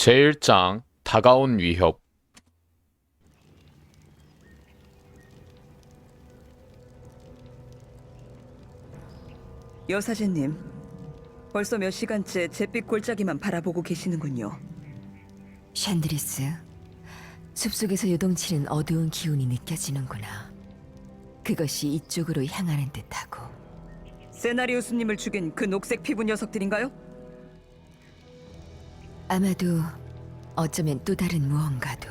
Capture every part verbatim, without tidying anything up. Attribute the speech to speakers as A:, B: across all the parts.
A: 제일 장 다가온 위협.
B: 여사제님, 벌써 몇 시간째 잿빛 골짜기만 바라보고 계시는군요.
C: 샨드리스, 숲속에서 요동치는 어두운 기운이 느껴지는구나. 그것이 이쪽으로 향하는 듯하고.
B: 세나리우스님을 죽인 그 녹색 피부 녀석들인가요?
C: 아마도 어쩌면 또 다른 무언가도.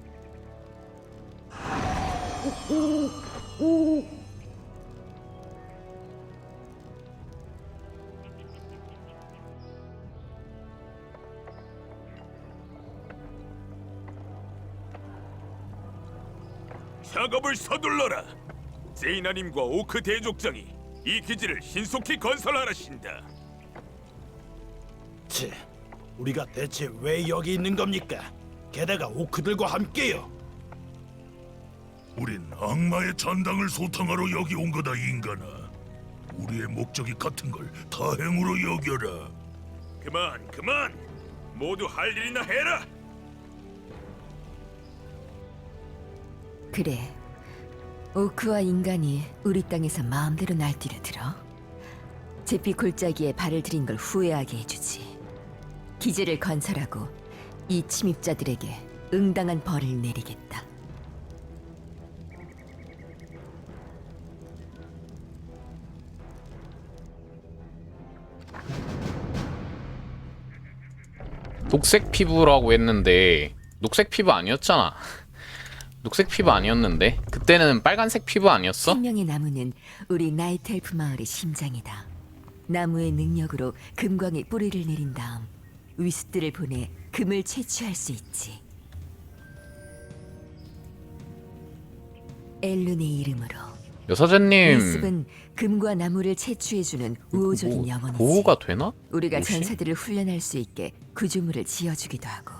D: 작업을 서둘러라. 제이나님과 오크 대족장이 이 기지를 신속히 건설하라신다.
E: 치, 우리가 대체 왜 여기 있는 겁니까? 게다가 오크들과 함께요.
F: 우린 악마의 잔당을 소탕하러 여기 온 거다, 인간아. 우리의 목적이 같은 걸 다행으로 여겨라.
D: 그만, 그만. 모두 할 일이나 해라.
C: 그래, 오크와 인간이 우리 땅에서 마음대로 날뛰려 들어. 잿빛 골짜기에 발을 들인 걸 후회하게 해주지. 기지를 건설하고 이 침입자들에게 응당한 벌을 내리겠다.
A: 녹색 피부라고 했는데 녹색 피부 아니었잖아. 녹색 피부 아니었는데 그때는 빨간색 피부 아니었어?
C: 생명의 나무는 우리 나이트 엘프 마을의 심장이다. 나무의 능력으로 금광의 뿌리를 내린 다음 위스들을 보내 금을 채취할 수 있지. 엘룬의 이름으로
A: 여사제님
C: 위습은 금과 나무를 채취해주는 우호적인
A: 뭐,
C: 영혼이지.
A: 보호가 되나?
C: 우리가
A: 혹시?
C: 전사들을 훈련할 수 있게 구조물을 지어주기도 하고.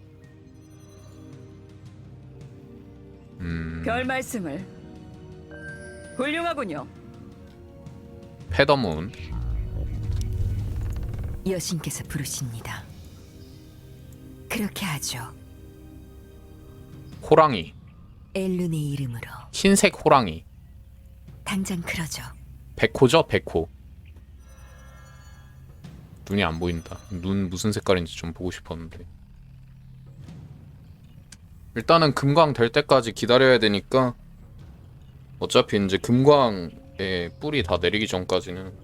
A: 음...
B: 별 말씀을. 훌륭하군요.
A: 페더문.
C: 여신께서 부르십니다. 그렇게 하죠.
A: 호랑이.
C: 엘룬의 이름으로.
A: 흰색 호랑이.
C: 당장 그러죠.
A: 백호죠? 백호. 눈이 안 보인다. 눈 무슨 색깔인지 좀 보고 싶었는데. 일단은 금광 될 때까지 기다려야 되니까 어차피 이제 금광의 뿔이 다 내리기 전까지는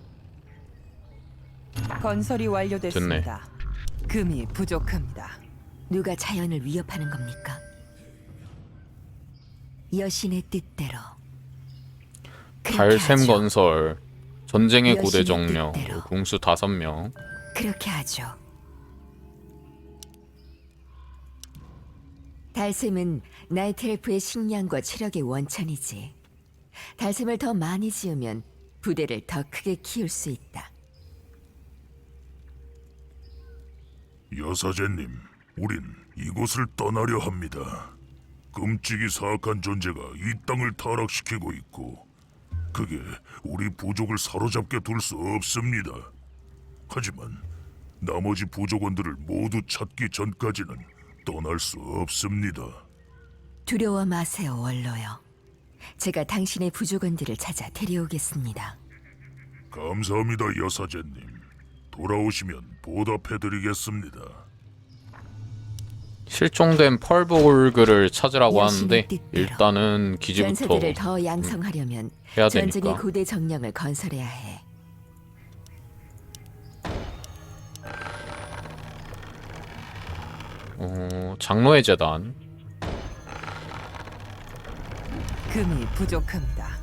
G: 건설이 완료됐습니다. 금이 부족합니다.
C: 누가 자연을 위협하는 겁니까? 여신의 뜻대로. 그렇게
A: 달샘
C: 하죠.
A: 건설, 전쟁의 고대
C: 여신의
A: 정령,
C: 뜻대로.
A: 궁수 다섯 명.
C: 그렇게 하죠. 달샘은 나이트 엘프의 식량과 체력의 원천이지. 달샘을 더 많이 지으면 부대를 더 크게 키울 수 있다.
F: 여사제님, 우린 이곳을 떠나려 합니다. 끔찍이 사악한 존재가 이 땅을 타락시키고 있고 그게 우리 부족을 사로잡게 둘 수 없습니다. 하지만 나머지 부족원들을 모두 찾기 전까지는 떠날 수 없습니다.
C: 두려워 마세요, 원로여. 제가 당신의 부족원들을 찾아 데려오겠습니다.
F: 감사합니다, 여사제님. 돌아오시면 보답해드리겠습니다.
A: 실종된 펄볼그를 찾으라고
C: 여신의
A: 하는데
C: 뜻대로.
A: 일단은 기지부터
C: 전사들을 더 양성하려면
A: 해야
C: 전쟁의
A: 되니까.
C: 고대 정령을 건설해야 해.
A: 어, 장로의 재단.
G: 금이 부족합니다.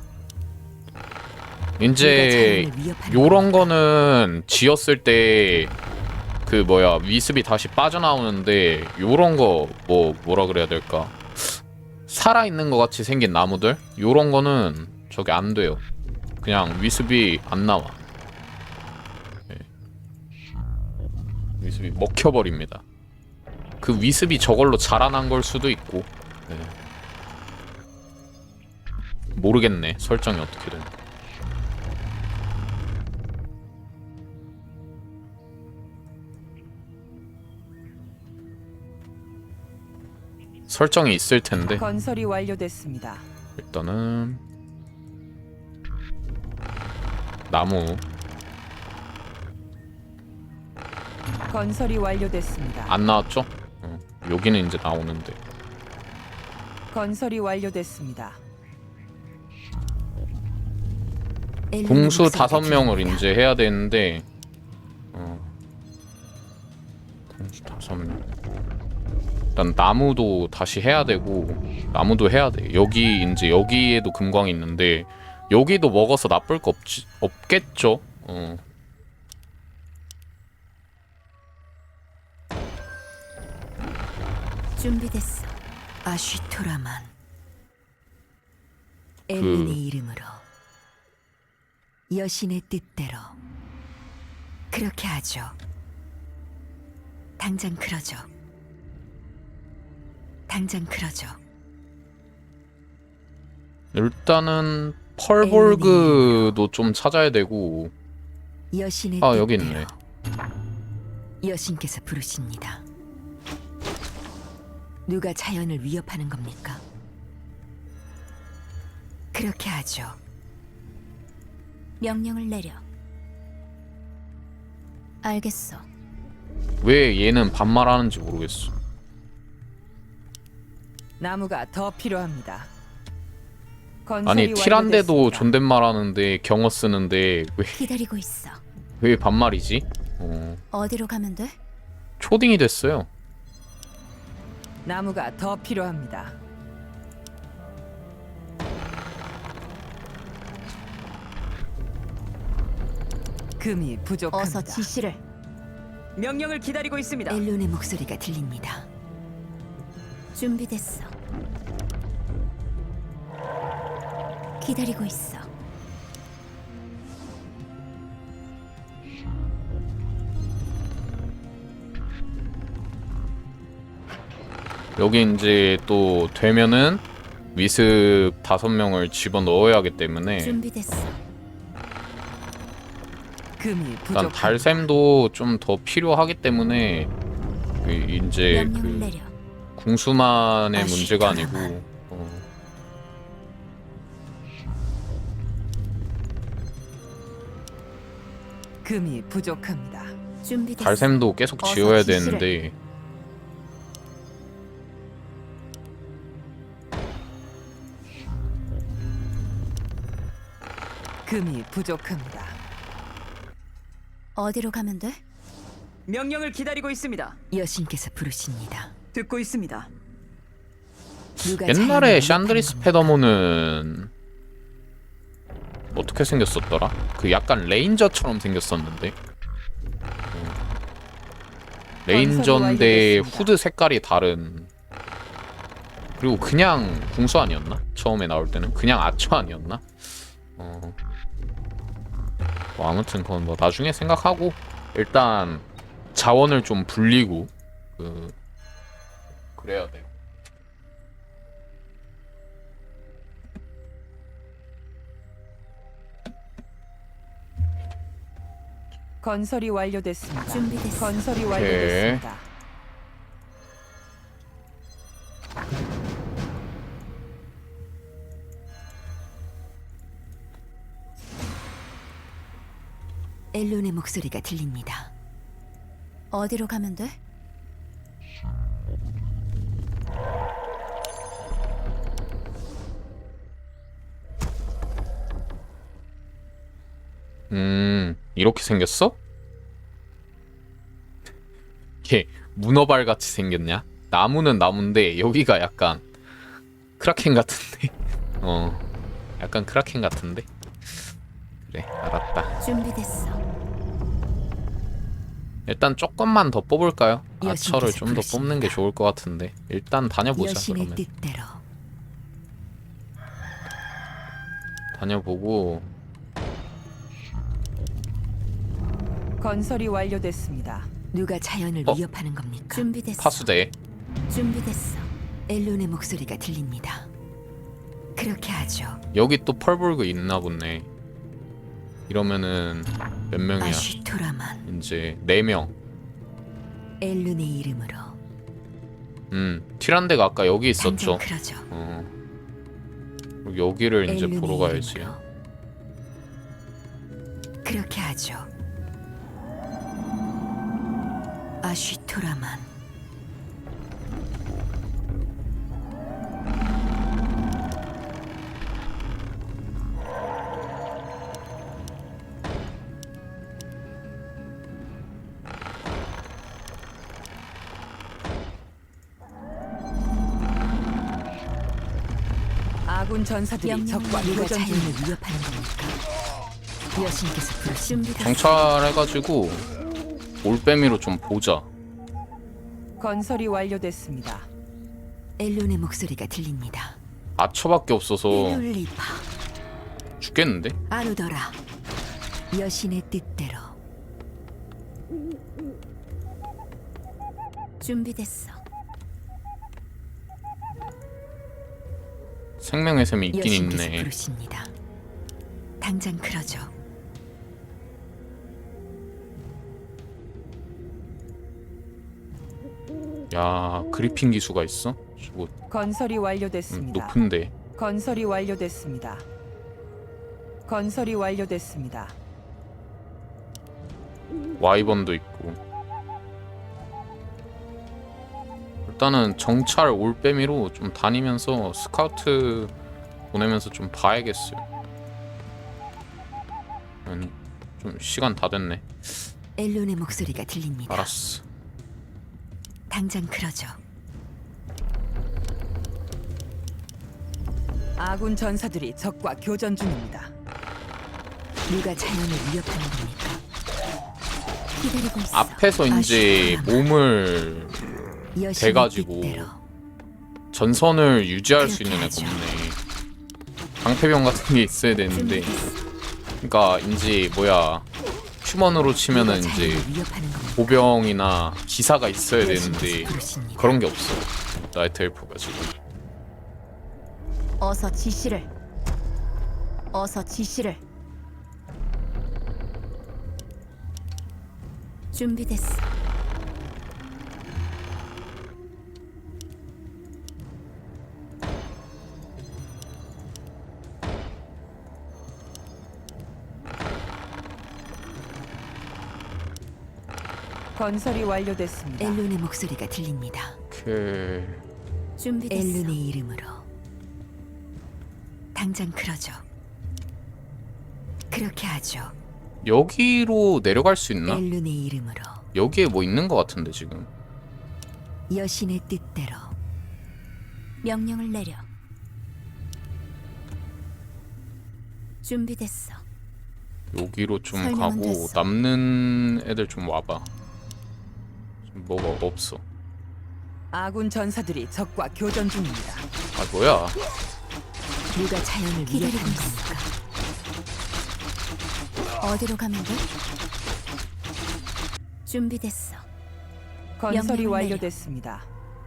A: 이제
C: 누가 자연을 위협하는
A: 요런 거는 지었을 때 그 뭐야 위습이 다시 빠져나오는데 요런 거 뭐 뭐라 그래야 될까, 살아 있는 것 같이 생긴 나무들 요런 거는 저게 안 돼요. 그냥 위습이 안 나와. 네. 위습이 먹혀버립니다. 그 위습이 저걸로 자라난 걸 수도 있고. 네. 모르겠네, 설정이 어떻게 되나. 설정이 있을 텐데
G: 건설이 완료됐습니다.
A: 일단은 나무
G: 건설이 완료됐습니다.
A: 안 나왔죠? 어, 여기는 이제 나오는데
G: 건설이 완료됐습니다.
C: 엘룬의
A: 궁수
C: 목소리가
A: 다섯 명을
C: 들립니다.
A: 이제 해야 되는데 어, 궁수 다섯 명 일단 나무도 다시 해야 되고 나무도 해야 돼. 여기 이제 여기에도 금광이 있는데 여기도 먹어서 나쁠 거 없지 없겠죠? 어.
C: 준비됐어. 아쉬토라만.
A: 그
C: 엘룬의 이름으로 여신의 뜻대로 그렇게 하죠. 당장 그러죠. 당장 그러죠.
A: 일단은 펄볼그도 좀 찾아야 되고
C: 여신의
A: 아, 여기
C: 뜻대로.
A: 있네.
C: 여신께서 부르십니다. 누가 자연을 위협하는 겁니까? 그렇게 하죠. 명령을 내려. 알겠어.
A: 왜 얘는 반말하는지 모르겠어.
G: 나무가 더 필요합니다. 건설이
A: 아니 티란데도
G: 완료됐습니다.
A: 존댓말 하는데 경어 쓰는데 왜,
C: 기다리고 있어.
A: 왜 반말이지? 어,
C: 어디로 가면 돼?
A: 초딩이 됐어요.
G: 나무가 더 필요합니다. 금이 부족합니다.
C: 어서 지시를.
B: 명령을 기다리고 있습니다.
C: 엘론의 목소리가 들립니다. 준비됐어. 기다리고 있어.
A: 여기 이제 또 되면은 위습 다섯 명을 집어 넣어야 하기 때문에
C: 준비됐어.
G: 금이
A: 일단
G: 부족합니다.
A: 달샘도 좀 더 필요하기 때문에 그 이제
C: 명령을
A: 그
C: 내려.
A: 궁수만의
C: 아,
A: 문제가
C: 시원하만.
A: 아니고 어,
G: 금이 부족합니다.
C: 준비됐어.
A: 달샘도 계속
C: 어서
A: 지어야
C: 지시를.
A: 되는데
G: 금이 부족합니다.
C: 어디로 가면 돼?
B: 명령을 기다리고 있습니다.
C: 여신께서 부르십니다.
B: 듣고 있습니다.
C: 누가
A: 옛날에
C: 자연을
A: 샨드리스
C: 위협하는 겁니까?
A: 페더몬은 어떻게 생겼었더라? 그 약간 레인저처럼 생겼었는데 어. 레인저인데
G: 완료됐습니다.
A: 후드 색깔이 다른 그리고 그냥 궁수 아니었나? 처음에 나올 때는 그냥 아처 아니었나? 어. 뭐 아무튼 그건 뭐 나중에 생각하고 일단 자원을 좀 불리고 그 그래야 돼요.
G: 건설이 완료됐습니다.
C: 준비됐어.
G: 건설이 완료됐습니다.
C: 엘론의 목소리가 들립니다. 어디로 가면 돼?
A: 음, 이렇게 생겼어? 이게 문어발 같이 생겼냐? 나무는 나무인데 여기가 약간 크라켄 같은데? 어, 약간 크라켄 같은데? 그래, 알았다.
C: 준비됐어.
A: 일단 조금만 더 뽑을까요? 아처를
C: 여신께서
A: 좀 더
C: 부르십니다.
A: 뽑는 게 좋을 것 같은데 일단 다녀보자.
C: 여신의
A: 그러면
C: 뜻대로.
A: 다녀보고
G: 건설이 완료됐습니다.
C: 누가 자연을
A: 어?
C: 위협하는 겁니까? 준비됐어.
A: 파수대
C: 준비됐어. 엘론의 목소리가 들립니다. 그렇게 하죠.
A: 여기 또 펄볼그 있나 보네. 이러면은 몇 명이야?
C: 아쉬토라만.
A: 이제 네 명.
C: 엘룬의 이름으로
A: 음 티란데가 아까 여기 있었죠.
C: 당장 그러죠.
A: 어. 그리고 여기를 이제
C: 엘룬의
A: 보러 가야지.
C: 이름으로. 그렇게 하죠. 아쉬토라만.
G: 아군 전사들이 적과
C: 누가
G: 교전
C: 자연을
G: 중입니다.
C: 위협하는 겁니까? 여신께서 부르십니다.
A: 정찰해가지고 올빼미로 좀 보자.
G: 건설이 완료됐습니다.
C: 엘론의 목소리가 들립니다.
A: 아처밖에 없어서
C: 일울리파
A: 죽겠는데?
C: 아누더라. 여신의 뜻대로. 준비됐어.
A: 생명의 셈이 있긴
C: 여신께서
A: 있네.
C: 부르십니다. 당장 그러죠.
A: 야 그리핀 기수가 있어? 저거
G: 건설이
A: 음,
G: 완료됐습니다.
A: 높은데.
G: 건설이 완료됐습니다. 건설이 완료됐습니다.
A: 와이번도 있고. 일단은 정찰 올빼미로 좀 다니면서 스카우트 보내면서 좀 봐야겠어요. 음, 좀 시간 다 됐네.
C: 엘론의 목소리가 들립니다.
A: 알았어.
C: 당장 그러죠.
G: 아군 전사들이 적과 교전 중입니다.
C: 누가 자연을 위협하는 겁니까? 기다리고 있어.
A: 앞에서 이제
C: 아쉬워라.
A: 몸을
C: 여신의
A: 돼가지고
C: 뜻대로.
A: 전선을 유지할 수 있는
C: 그렇게
A: 애가
C: 하죠.
A: 없네. 방패병 같은 게 있어야 되는데.
C: 준비됐어.
A: 그러니까 이제 뭐야 휴먼으로 치면은
C: 누가
A: 이제
C: 자연을 위협하는 겁니까?
A: 보병이나 기사가 있어야
C: 여신께서
A: 되는데
C: 부르십니다.
A: 그런 게 없어. 나이트 엘프가 지금.
C: 어서 지시를. 어서 지시를. 준비됐어.
G: 건설이 완료됐습니다.
C: 엘룬의 목소리가 들립니다.
A: 오케이.
C: 준비됐어. 엘룬의 이름으로. 당장 그러죠. 그렇게 하죠.
A: 여기로 내려갈 수 있나?
C: 엘룬의 이름으로.
A: 여기에 뭐 있는 것 같은데 지금.
C: 여신의 뜻대로. 명령을 내려. 준비됐어.
A: 여기로 좀
C: 설명은
A: 가고
C: 됐어.
A: 남는 애들 좀 와봐. 지금 뭐가 없어.
G: 아군 전사들이 적과 교전 중입니다.
A: 아 뭐야?
C: 누가 자연을 위협하는 겁니까? 어디로 가면 돼? 준비됐어.
G: 건설이
C: 명령을
G: 완료됐습니다.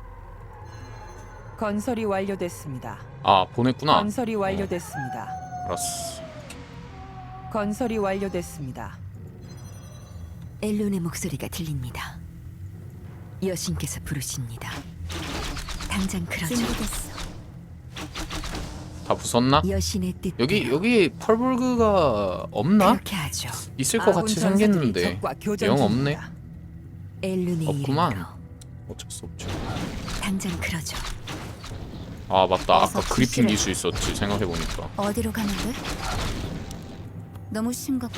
G: 건설이 완료됐습니다.
A: 아 보냈구나.
G: 건설이 완료됐습니다.
A: 알았어.
G: 건설이 완료됐습니다.
C: 엘론의 목소리가 들립니다. 여신께서 부르십니다. 당장 그러죠. 준비됐어.
A: 다 부쉈나?
C: 여신의 뜻.
A: 여기 여기 펄볼그가 없나?
C: 그렇게 하죠.
A: 있을 것
G: 아군
A: 같이
G: 전사들이
A: 생겼는데
G: 적과 교전
A: 영
G: 중입니다.
A: 없네.
C: 엘룬의
A: 없구만.
C: 이름으로.
A: 어쩔 수 없죠.
C: 당장 그러죠.
A: 아 맞다. 아까
C: 어서
A: 그리핀
C: 지시를.
A: 기수 있었지 생각해 보니까.
C: 어디로 가면 돼? 너무 심각해.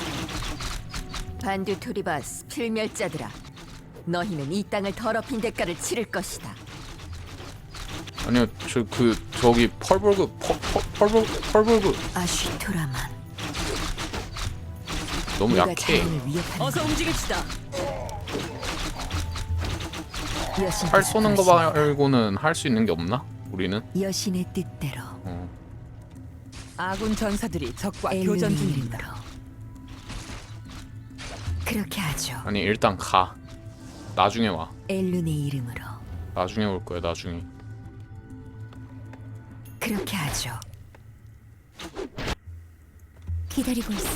C: 반두토리바스 필멸자들아, 너희는 이 땅을 더럽힌 대가를 치를 것이다.
A: 아니요 저 그 저기 펄볼그 펄, 펄, 펄볼 펄볼그
C: 아쉬토라만.
A: 너무
C: 누가
A: 약해.
C: 자연을 위협하는
G: 어서 움직입시다.
C: 여신께서
A: 활 쏘는 거
C: 부르십니다.
A: 말고는 할 수 있는 게 없나? 우리는?
C: 여신의 뜻대로.
A: 어.
G: 아군 전사들이 적과
C: 엘룬의
G: 교전 중입니다.
C: 이름으로. 그렇게 하죠.
A: 아니 일단 가. 나중에 와.
C: 엘룬의 이름으로.
A: 나중에 올 거야 나중에.
C: 그렇게 하죠. 기다리고 있어.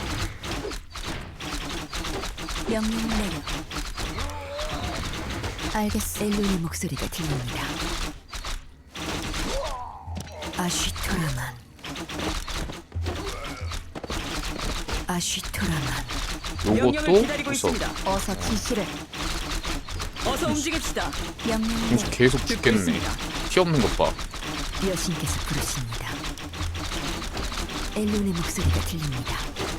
C: 명령을 내려. 알겠어. 엘룬의 목소리가 들립니다. 아쉬토라만. 아쉬토라만.
B: 명령을
A: 요것도
B: 기다리고
A: 있어.
B: 있습니다.
C: 어서 지시를.
B: 어서 움직입시다.
C: 명령을
A: 공수
C: 내려.
A: 계속
B: 듣고
A: 죽겠네.
B: 있습니다.
A: 피 없는 것 봐.
C: 여신께서 부르십니다. 엘룬의 목소리가 들립니다.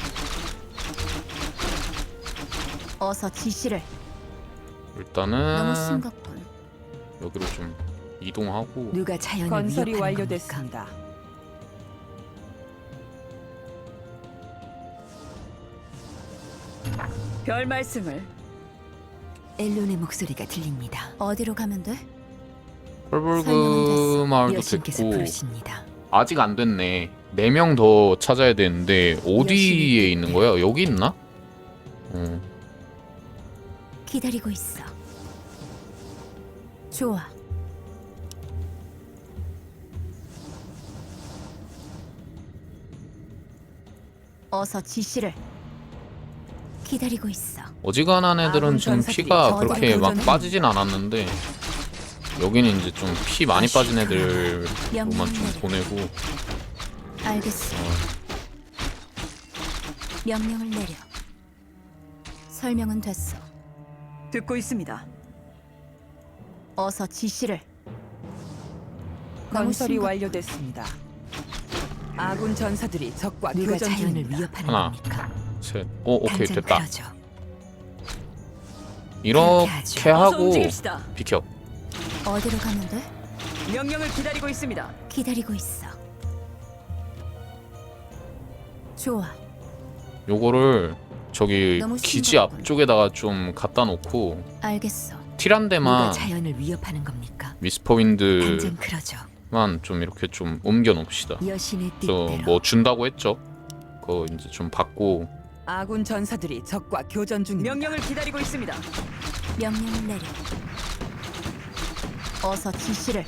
C: 어서 지시를.
A: 일단은
C: 심각군.
A: 여기로 좀 이동하고
C: 누가 자연을
G: 건설이
C: 위협하는 겁니까?
G: 완료됐습니다.
B: 별 말씀을.
C: 엘룬의 목소리가 들립니다. 어디로 가면 돼?
A: 펄벌그 마을도
C: 여신께서
A: 됐고
C: 부르십니다.
A: 아직 안 됐네. 네 명 더 찾아야 되는데 어디에 있는 거야? 여기 있나? 어.
C: 기다리고 있어. 좋아. 어서 지시를. 기다리고 있어.
A: 어지간한 애들은
G: 아군
A: 지금
G: 전사들이
A: 피가
C: 저들을
A: 그렇게 막
G: 교전하는
A: 빠지진 않았는데 여기는 이제 좀 피 많이 빠진 애들로만 좀 보내고
C: 알겠어. 명령을 내려. 설명은 됐어.
B: 듣고 있습니다.
C: 어서 지시를.
G: 건설이
C: 심각-
G: 완료됐습니다. 아군 전사들이 적과
C: 누가
G: 교전
C: 자연을
G: 중입니다.
C: 위협하는
A: 하나.
C: 겁니까?
A: 셋. 오 오케이
C: 당장
A: 됐다.
C: 그러죠.
A: 이렇게
B: 어서
A: 하고
B: 움직입시다.
A: 비켜.
C: 어디로 가면 돼?
B: 명령을 기다리고 있습니다.
C: 기다리고 있어. 좋아.
A: 요거를 저기
C: 너무
A: 기지
C: 싱겁군.
A: 앞쪽에다가 좀 갖다 놓고
C: 알겠어. 누가
A: 티란데만
C: 자연을 위협하는 겁니까?
A: 미스퍼윈드만
C: 당장 그러죠.
A: 좀 이렇게 좀 옮겨 놓읍시다.
C: 여신의
A: 또
C: 뜻대로.
A: 뭐 준다고 했죠. 그거 이제 좀 받고
G: 아군 전사들이 적과 교전 중입니다.
B: 명령을 기다리고 있습니다.
C: 명령을 내려. 어서 지시를.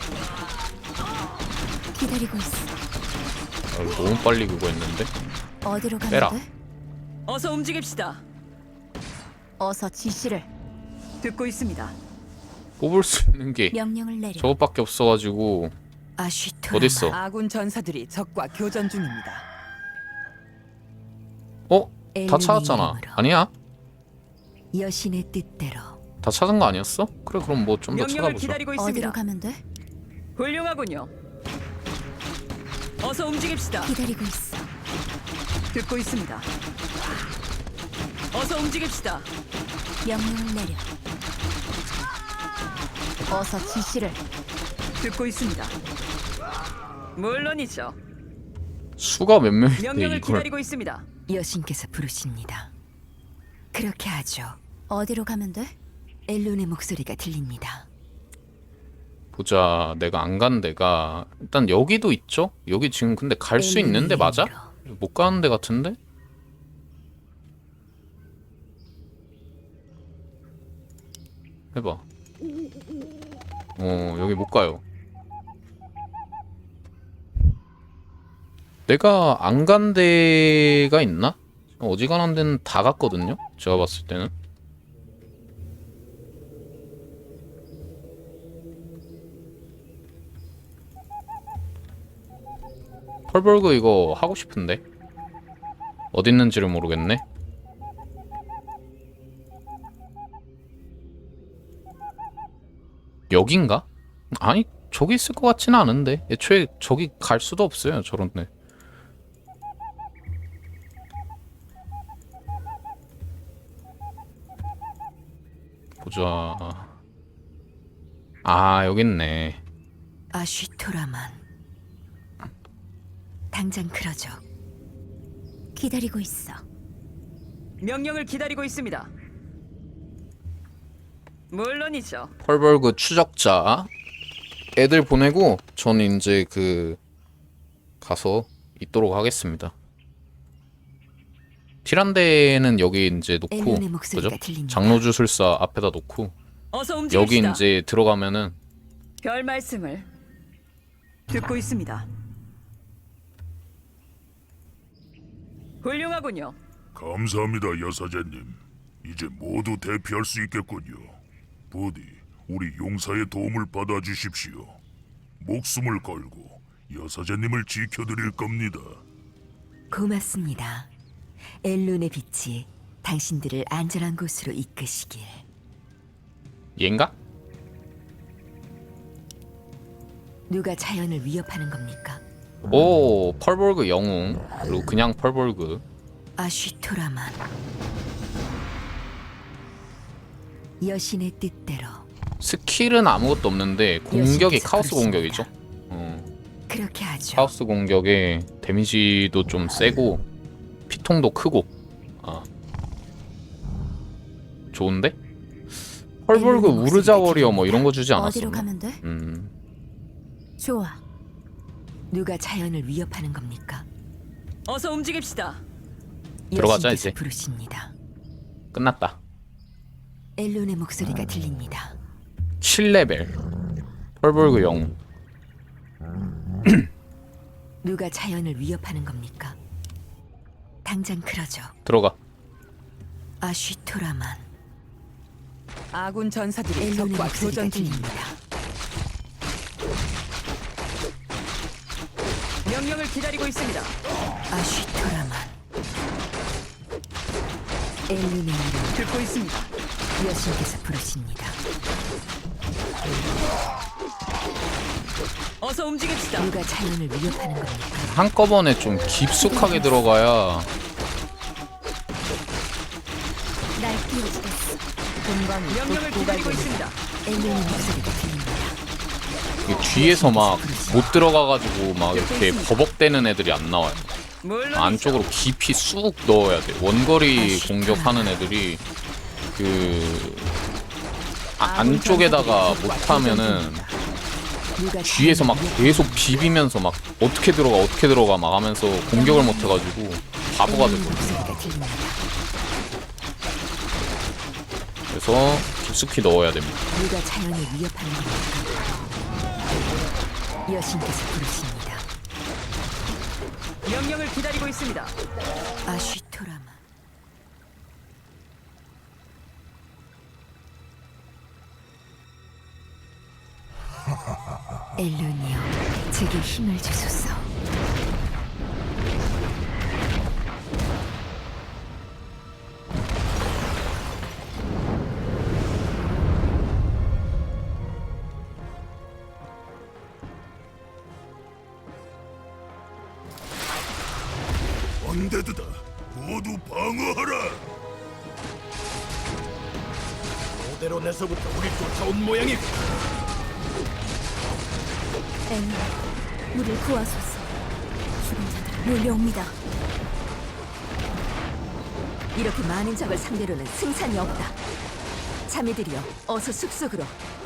C: 기다리고 있어.
A: 아, 너무 빨리 그거 했는데
C: 어디로 가면
A: 빼라.
C: 돼?
B: 어서 움직입시다.
C: 어서 지시를.
B: 듣고 있습니다.
A: 뽑을 수 있는 게
C: 명령을 내려.
A: 저것밖에 없어가지고
C: 아쉬토.
A: 어딨어?
G: 아군 전사들이 적과 교전 중입니다.
A: 어? 다
C: 엘룬의
A: 찾았잖아.
C: 이름으로.
A: 아니야?
C: 여신의 뜻대로.
A: 다 찾은 거 아니었어? 그래 그럼 뭐 좀 더
B: 명령을
A: 찾아보자.
B: 기다리고
C: 어디로
B: 있습니다.
C: 가면 돼?
B: 훌륭하군요. 어서 움직입시다.
C: 기다리고 있어.
B: 듣고 있습니다. 어서 움직입시다.
C: 명령을 내려. 어서 지시를.
B: 듣고 있습니다. 물론이죠.
A: 수가 몇 명인데
B: 명령을
A: 이걸
B: 기다리고 있습니다.
C: 여신께서 부르십니다. 그렇게 하죠. 어디로 가면 돼? 엘룬의 목소리가 들립니다.
A: 보자. 내가 안 간 데가 일단 여기도 있죠? 여기 지금 근데 갈 수
C: 엘룬의
A: 있는데 맞아?
C: 이름으로.
A: 못 가는 데 같은데? 해봐. 어 여기 못 가요. 내가 안 간 데가 있나? 어지간한 데는 다 갔거든요? 제가 봤을 때는. 펄벌그 이거 하고 싶은데 어디 있는지를 모르겠네. 여긴가? 아니 저기 있을 것 같지는 않은데 애초에 저기 갈 수도 없어요 저런데. 보자. 아 여기 있네.
C: 아쉬토라만. 당장 그러죠. 기다리고 있어.
B: 명령을 기다리고 있습니다. 물론이죠.
A: 펄벌그 추적자 애들 보내고 저는 이제 그 가서 있도록 하겠습니다. 티란데는 여기 이제 놓고
C: 엘룬의 목소리가
A: 그죠?
C: 들립니다.
A: 장로주술사 앞에다 놓고
B: 어서
A: 여기
B: 움직입시다.
A: 이제 들어가면은
B: 별 말씀을 듣고 있습니다. 훌륭하군요.
F: 감사합니다, 여사제님. 이제 모두 대피할 수 있겠군요. 부디 우리 용사의 도움을 받아주십시오. 목숨을 걸고 여사제님을 지켜드릴 겁니다.
C: 고맙습니다. 엘론의 빛이 당신들을 안전한 곳으로 이끄시길.
A: 얘인가?
C: 누가 자연을 위협하는 겁니까?
A: 오, 펄볼그 영웅. 그리고 그냥 펄볼그.
C: 아쉬토라만. 여신의 뜻대로.
A: 스킬은 아무것도 없는데 공격이
C: 여신께서
A: 카오스
C: 부르십니다.
A: 공격이죠. 어,
C: 그렇게 하죠.
A: 카오스 공격에 데미지도 좀 세고 피통도 크고. 아, 좋은데? 펄볼그
C: 엘론의
A: 우르자
C: 목소리가
A: 워리어 뭐 이런 거 주지
H: 어디로
A: 않았었나?
H: 가면 돼?
A: 음,
H: 좋아.
C: 누가 자연을 위협하는 겁니까?
B: 어서 움직입시다.
A: 들어가자,
C: 여신께서
A: 이제.
C: 부르십니다.
A: 끝났다.
C: 엘론의 목소리가 들립니다.
A: 칠 레벨 펄볼그 영웅.
C: 누가 자연을 위협하는 겁니까? 당장 그러죠.
A: 들어가.
C: 아쉬토라만.
G: 아군 전사들이
C: 엘론의
G: 적과
C: 목소리가
G: 교전 중입니다.
C: 들립니다.
B: 명령을 기다리고 있습니다.
C: 아쉬토라만. 엘론의 이름
B: 듣고 있습니다.
C: 여신께서 부르십니다.
B: 어서 움직입시다.
C: 누가 자연을 위협하는 겁니까?
A: 한꺼번에 좀 깊숙하게 들어가야
H: 날 띄워주겠어.
G: 공간이
B: 명령을 기다리고 있습니다.
C: 엘론의 목소리가 들립니다.
A: 이게 뒤에서 막 못 들어가가지고 막 이렇게 버벅대는 애들이 안 나와요.
B: 물론
A: 안쪽으로 깊이 쑥 넣어야 돼. 원거리 공격하는 애들이 그 아, 안쪽에다가 못하면은
C: 누가
A: 뒤에서 막
C: 자연을
A: 계속 비비면서 막 어떻게 들어가 어떻게 들어가 막 하면서 공격을 못 해가지고 바보가
C: 엘론의
A: 되고.
C: 목소리가 들립니다.
A: 그래서 깊숙이 넣어야 됩니다.
C: 누가 자연을 위협하는 겁니까? 여신께서 부르십니다.
B: 명령을 기다리고 있습니다.
C: 아쉬토라만. 엘론이여, 제게 힘을 주소서.
F: 언데드다. 모두 방어하라.
E: 오데론에서부터 우리 쫓아온 모양이
H: 엘론, 우릴 구하소서. 죽은 자들이 몰려옵니다.
C: 이렇게 많은 적을 상대로는 승산이 없다. 자매들이여, 어서 숲속으로.